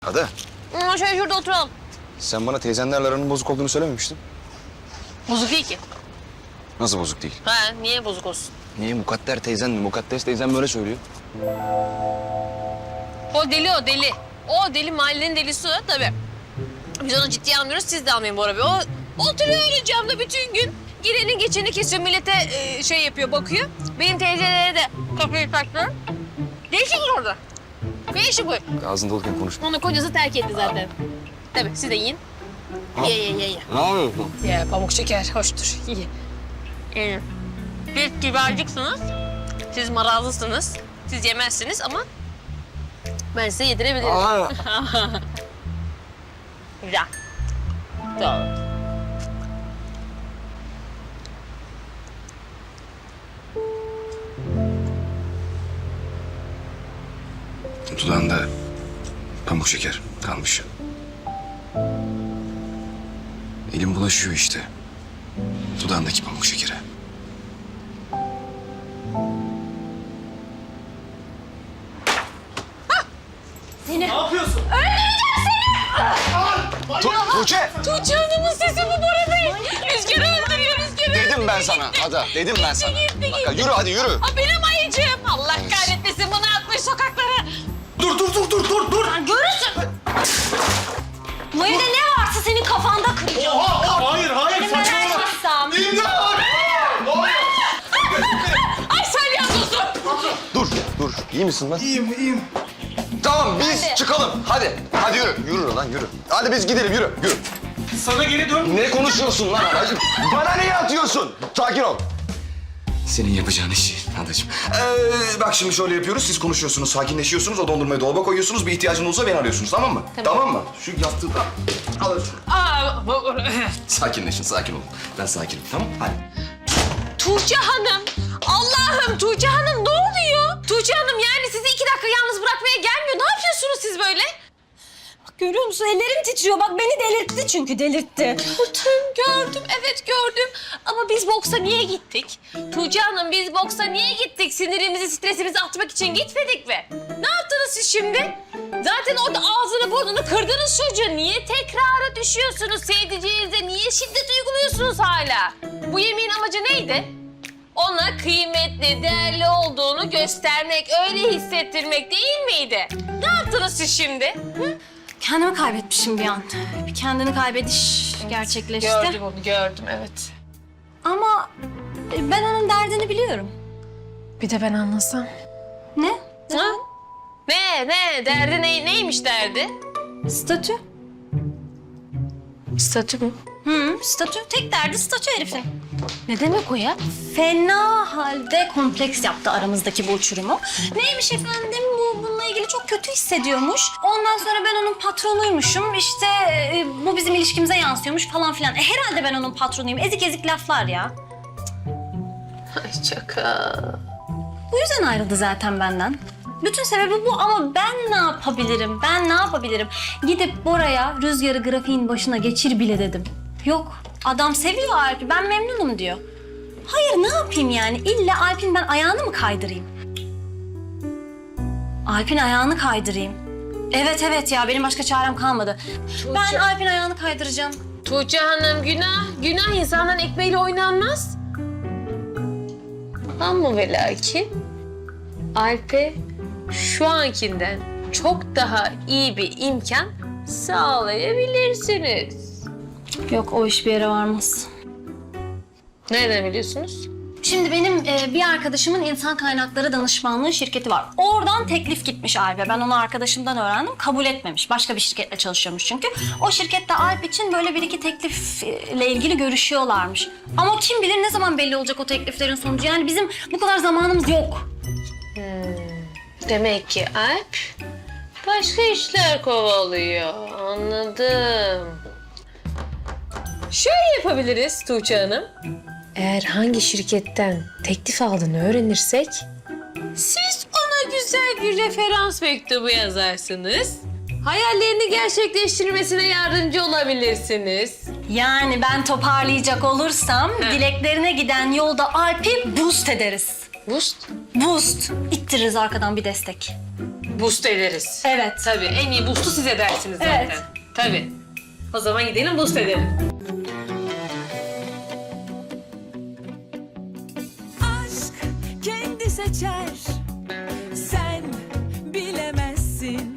Ada, Şöyle şurada oturalım. sen bana teyzenlerle aranın bozuk olduğunu söylememiştin. Bozuk değil ki. Nasıl bozuk değil? Ha, niye bozuk olsun? Niye? Mukadder teyzen mi? Mukaddes teyzen böyle söylüyor. O deli o deli. O deli mahallenin delisi o tabii. Biz onu ciddiye almıyoruz, siz de almayın Bora Bey. O oturuyor öyle camda bütün gün. Girenin geçeni kesiyor, millete şey yapıyor, bakıyor. Benim teyzelere de kapıyı taktı. Ne işi var orada? Ne işi bu? Ağzında olurken konuşma. Onu kocası terk etti zaten. Tabii, siz de yiyin. Ye. Ne yapıyorsun? Ye, pamuk şeker, hoştur. Ye. Siz kibarcıksınız, siz marazlısınız, siz yemezsiniz ama ben size yedirebilirim. Güzel. Doğru. Dudağında pamuk şeker kalmış. Elim bulaşıyor işte. Dudağındaki pamuk şekere. Ne yapıyorsun? Tuğçe! Tuğçe Hanım'ın sesi bu Bora Bey. Rüzgarı öldürüyor, rüzgarı öldürüyor. Dedim ben sana Ada, dedim ben sana. Gitti. Bak, yürü hadi yürü. Aa, benim ayıcığım. Allah kahretmesin, bunu atmış sokaklara. Dur. Görürsün. Bu evde ne varsa senin kafanda kıracağım. Oha, hayır, Benim saçmalama. merak etsem. İmdat! Ne oluyor? Ay salyangozu. Dur. İyi misin lan? İyiyim. Tamam biz Hadi. çıkalım. Hadi yürü. Yürü lan yürü. Hadi biz gidelim yürü. Sana geri dön. Ne konuşuyorsun lan adacığım? Bana niye atıyorsun? Sakin ol. Senin yapacağın işi adacığım. Bak şimdi şöyle yapıyoruz. Siz konuşuyorsunuz, sakinleşiyorsunuz. O dondurmayı dolaba koyuyorsunuz. Bir ihtiyacınız olursa beni arıyorsunuz. Tamam mı? Tamam mı? Şu yastığı da alın şunu. Aa, Sakinleşin, sakin olun. Ben sakinim. Tamam hadi. Tuğçe Hanım. Allah'ım Tuğçe Hanım ne oluyor? Tuğçe Hanım yani sizi 2 dakika yalnız bırakmaya gelmiyor. Ne yapıyorsunuz siz böyle? Bak görüyor musun? Ellerim titriyor. Bak beni delirtti çünkü delirtti. Gördüm, evet gördüm. Ama biz boksa niye gittik? Tuğçe Hanım biz boksa niye gittik? Sinirimizi, stresimizi atmak için gitmedik mi? Ne yaptınız siz şimdi? Zaten orada ağzını burnunu kırdınız çocuğa. Niye tekrara düşüyorsunuz? Sevdiceğinize niye şiddet uyguluyorsunuz hala? Bu yemeğin amacı neydi? Ona kıymetli, değerli olduğunu göstermek, öyle hissettirmek değil miydi? Ne yaptınız siz şimdi? Hı? Kendimi kaybetmişim bir an. Bir kendini kaybediş gerçekleşti. Onu, gördüm evet. Ama ben onun derdini biliyorum. Bir de ben anlasam. Ne? Ha? Ne? Derdi neymiş derdi? Statü. Statü mü? Statü. Tek derdi statü herifin. Ne demek o ya? Fena halde kompleks yaptı aramızdaki bu uçurumu. Neymiş efendim bununla ilgili çok kötü hissediyormuş. Ondan sonra ben onun patronuymuşum. İşte bu bizim ilişkimize yansıyormuş falan filan. Herhalde ben onun patronuyum. Ezik ezik laflar ya. Ay şaka. Bu yüzden ayrıldı zaten benden. Bütün sebebi bu ama ben ne yapabilirim? Gidip Bora'ya Rüzgar'ı grafiğin başına geçir bile dedim. Yok, adam seviyor Alp'i, ben memnunum diyor. Hayır, ne yapayım yani? İlla Alp'in ben ayağını mı kaydırayım? Alp'in ayağını kaydırayım. Evet ya, benim başka çarem kalmadı. Ben Alp'in ayağını kaydıracağım. Tuğçe Hanım günah insanların ekmeğiyle oynanmaz. Ama ve lakin Alp'e şu ankinden çok daha iyi bir imkan sağlayabilirsiniz. Yok, o iş bir yere varmaz. Nereden biliyorsunuz? Şimdi benim bir arkadaşımın insan kaynakları danışmanlığı şirketi var. Oradan teklif gitmiş Alp'e. Ben onu arkadaşımdan öğrendim. Kabul etmemiş. Başka bir şirketle çalışıyormuş çünkü. O şirkette Alp için böyle bir iki teklifle ilgili görüşüyorlarmış. Ama kim bilir ne zaman belli olacak o tekliflerin sonucu. Yani bizim bu kadar zamanımız yok. Demek ki Alp başka işler kovalıyor. Anladım. Şöyle yapabiliriz Tuğçe Hanım. Eğer hangi şirketten teklif aldığını öğrenirsek, siz ona güzel bir referans mektubu yazarsınız. Hayallerini gerçekleştirmesine yardımcı olabilirsiniz. Yani ben toparlayacak olursam dileklerine giden yolda Alp'i boost ederiz. Boost. Boost. İttiririz arkadan bir destek. boost ederiz. Evet. Tabii en iyi boost'u siz edersiniz zaten. Evet. Tabii. O zaman gidelim boost edelim. aşk kendi seçer